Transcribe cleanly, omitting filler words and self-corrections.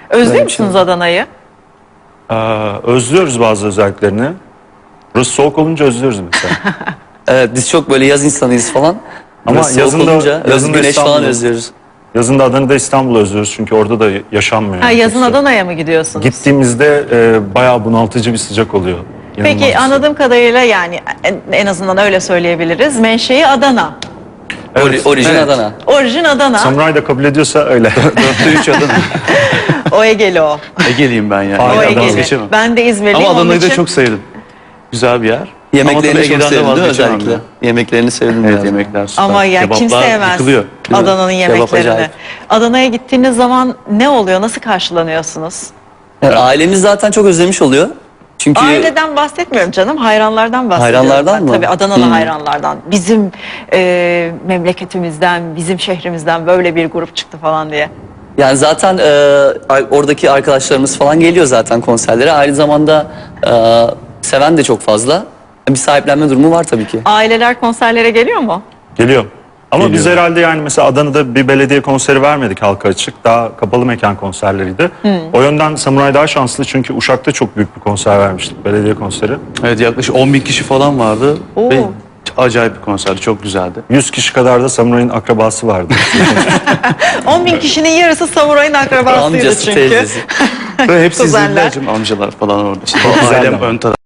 Özlüyor musunuz Adana'yı? Özlüyoruz bazı özelliklerini. Burası soğuk olunca özlüyoruz mesela. Evet, biz çok böyle yaz insanıyız falan. Ama Burası soğuk olunca yazında güneş falan İstanbul'u özlüyoruz. Yazında Adana'da İstanbul'u özlüyoruz çünkü orada da yaşanmıyor. Ha, yani yazın çok sıcak. Adana'ya mı gidiyorsunuz? Gittiğimizde bayağı bunaltıcı bir sıcak oluyor. İnanılmaz bir Peki sıcak. anladığım kadarıyla yani en azından öyle söyleyebiliriz. Menşei Adana. Orijin Evet. Adana. Orijin Adana. Samuray da kabul ediyorsa öyle. 4'te 3 Adana. O Ege'li o. Ege'liyim ben yani. O Aynen, Ege'li. Vazgeçemem. Ben de İzmirliyim. Ama onun Adana'yı da için çok sevdim. Güzel bir yer. Ama Yemeklerini tabii çok Ege'den de sevdim değil mi vazgeçemem özellikle? ya. Yemeklerini sevdim Evet, biraz. yemekler süper. Ama ya kim Kebaplar sevmez yıkılıyor, değil mi? Adana'nın Kebap yemeklerini. acayip. Adana'ya gittiğiniz zaman ne oluyor? Nasıl karşılanıyorsunuz? Yani ailemiz zaten çok özlemiş oluyor. Çünkü Aileden bahsetmiyorum canım. Hayranlardan bahsediyorum. Hayranlardan ben. mı? Tabii Adanalı hayranlardan. Bizim memleketimizden, bizim şehrimizden böyle bir grup çıktı falan diye. yani zaten oradaki arkadaşlarımız falan geliyor zaten konserlere. Aynı zamanda seven de çok fazla. Bir sahiplenme durumu var tabii ki. Aileler konserlere geliyor mu? Geliyor. Ama biz Geliyor. herhalde yani mesela Adana'da bir belediye konseri vermedik halka açık. Daha kapalı mekan konserleriydi. O yönden Samuray daha şanslı çünkü Uşak'ta çok büyük bir konser vermiştik. Belediye konseri. Evet, yaklaşık 10.000 kişi falan vardı. Oo. Ve acayip bir konserdi. Çok güzeldi. 100 kişi kadar da Samuray'ın akrabası vardı. 10.000 kişinin yarısı Samuray'ın akrabasıydı Amcası, çünkü. teyzesi. Ve hepsi Kuzenler. izlediler canım, amcalar falan orada. İşte Güzel ailem ama. ön taraf.